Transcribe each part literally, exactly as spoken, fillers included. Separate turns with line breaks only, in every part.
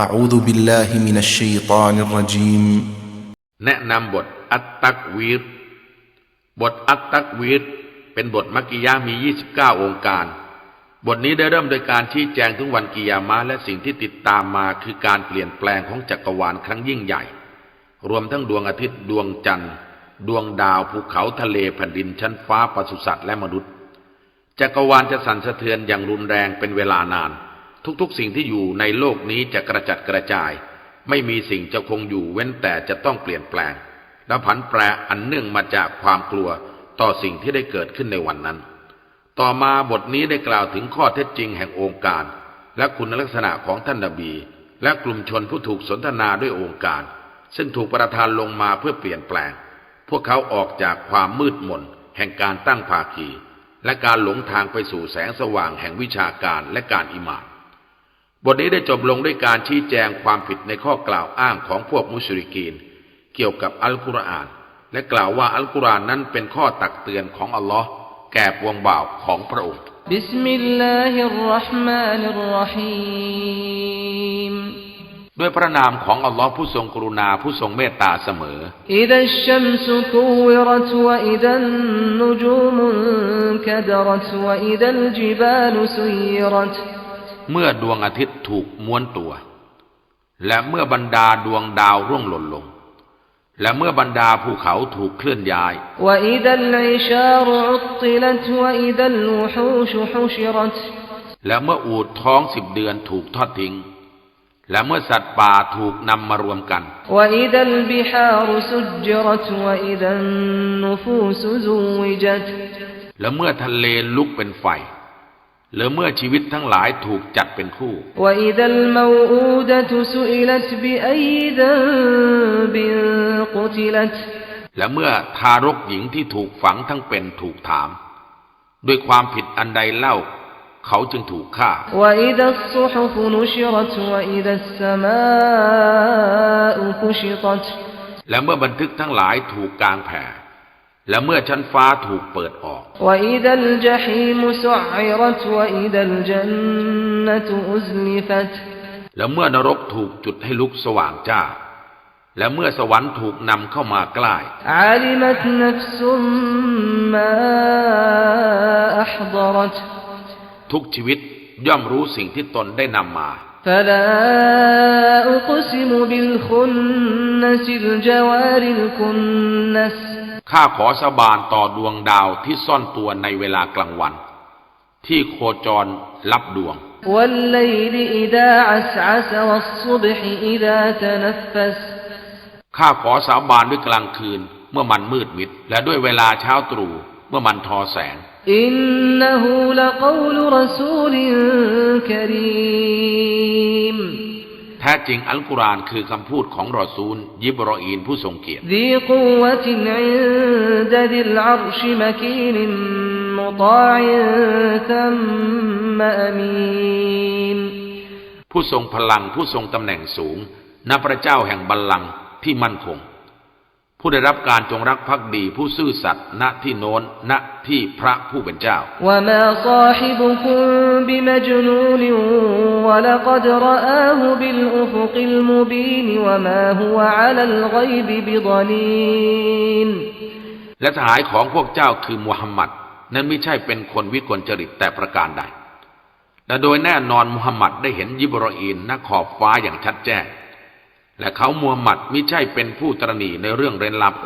أعوذ بالله من الشيطان الرجيم
แนะนำบทอัตตักวีรบทอัตตักวีรเป็นบทมักกิยะห์มียี่สิบเก้าองค์การบทนี้ได้เริ่มโดยการชี้แจงถึงวันกิยามะห์และสิ่งที่ติดตามมาคือการเปลี่ยนแปลงของจักรวาลครั้งยิ่งใหญ่รวมทั้งดวงอาทิตย์ดวงจันทร์ดวงดาวภูเขาทะเลแผ่นดินชั้นฟ้าปศุสัตว์และมนุษย์จักรวาลจะสั่นสะเทือนอย่างรุนแรงเป็นเวลานานทุกๆสิ่งที่อยู่ในโลกนี้จะกระจัดกระจายไม่มีสิ่งจะคงอยู่เว้นแต่จะต้องเปลี่ยนแปลงและผันแปรอันเนื่องมาจากความกลัวต่อสิ่งที่ได้เกิดขึ้นในวันนั้นต่อมาบทนี้ได้กล่าวถึงข้อเท็จจริงแห่งองค์การและคุณลักษณะของท่านนบีและกลุ่มชนผู้ถูกสนทนาด้วยองค์การซึ่งถูกประทานลงมาเพื่อเปลี่ยนแปลงพวกเขาออกจากความมืดมนแห่งการตั้งภาคีและการหลงทางไปสู่แสงสว่างแห่งวิชาการและการอิหม่านบทนี้ได้จบลงด้วยการชี้แจงความผิดในข้อกล่าวอ้างของพวกมุชริกีนเกี่ยวกับอัลกุรอานและกล่าวว่าอัลกุรอานนั้นเป็นข้อตักเตือนของอัลลอฮ์แก่ปวงบ่าวของพระองค์
บิสมิลลาฮิรเราะห์มานิรเราะฮีม
ด้วยพระนามของอัลลอฮ์ผู้ทรงกรุณาผู้ทรงเมตตาเสมอ
อิซัชชัมซุกุวิรัตวะอิซันนุจูมุนกะดรัตวะอิซัลจิบาลซุยิรัต
เมื่อดวงอาทิตย์ถูกม้วนตัวและเมื่อบรรดาดวงดาวร่วงหล่นลงและเมื่อบรรดาภูเขาถูกเคลื่อนย้ายและเมื่ออูฐท้องสิบเดือนถูกทอดทิ้งและเมื่อสัตว์ป่าถูกนำมารวมกันและเมื่อทะเลลุกเป็นไฟหรือเมื่อชีวิตทั้งหลายถูกจัดเป็นคู่และเมื่อทารกหญิงที่ถูกฝังทั้งเป็นถูกถามด้วยความผิดอันใดเล่าเขาจึงถูกฆ่าและเมื่อบันทึกทั้งหลายถูกกางแผ่และเมื่อชั้นฟ้าถูกเปิดออกและเมื่อนรกถูกจุดให้ลุกสว่างจ้าและเมื่อสวรรค์ถูกนำเข้ามาใกล้ทุกชีวิตย่อมรู้สิ่งที่ตนได้นำมาข้าขอสาบานต่อดวงดาวที่ซ่อนตัวในเวลากลางวันที่โคจรลับดวงข้าขอสาบานด้วยกลางคืนเมื่อมันมืดมิดและด้วยเวลาเช้าตรู่เมื่อมันทอแสง
อินนะฮูละกอลุรอซูลินกะรีม
แท้จริงอัลกุรอานคือคำพูดของรอซูลยิบรออีนผู้ทรงเกียรติ
ซีกุวะตินอินดะดิลอัรชมะกีนมุฏาอิซัมมะอามีน
ผู้ทรงพลังผู้ทรงตำแหน่งสูงณพระเจ้าแห่งบัลลังก์ที่มั่นคงผู้ได้รับการจงรักภักดีผู้ซื่อสัตย์ณที่โน้นณที่พระผู้เป็นเจ้าและสหายของพวกเจ้าคือมุฮัมมัดนั้นไม่ใช่เป็นคนวิกลจริตแต่ประการใดและโดยแน่นอนมุฮัมมัดได้เห็นยิบรออีนณขอบฟ้าอย่างชัดแจ้งและเขามูฮัมหมัดมิใช่เป็นผู้ตระหนี่ในเรื่องเร้นลับ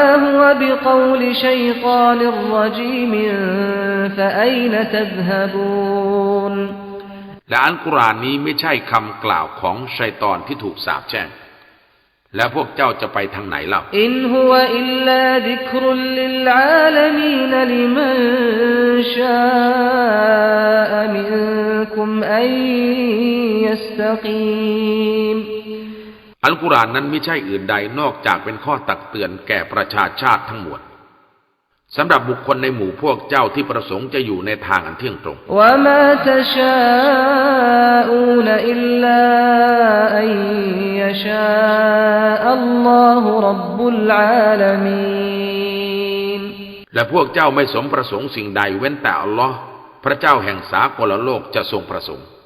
และอัลกุรอานนี้ไม่ใช่คำกล่าวของชัยฏอนที่ถูกสาปแช่งและพวกเจ้าจะไปทางไหนเล่าอินฮุวะอิลลาซิกรุลลิลอาลามีนลิมันชาอะมินกุมอัยยัสตะกีมอัลกุรอานนั้นไม่ใช่อื่นใดนอกจากเป็นข้อตักเตือนแก่ประชาชาติทั้งมวลสำหรับบุคคลในหมู่พวกเจ้าที่ประสงค์จะอยู่ในทางอันเที่ยงตรงและพวกเจ้าไม่สมประสงค์สิ่งใดเว้นแต่อัลลอฮ์พระเจ้าแห่งสากลโลกจะทรงประสงค์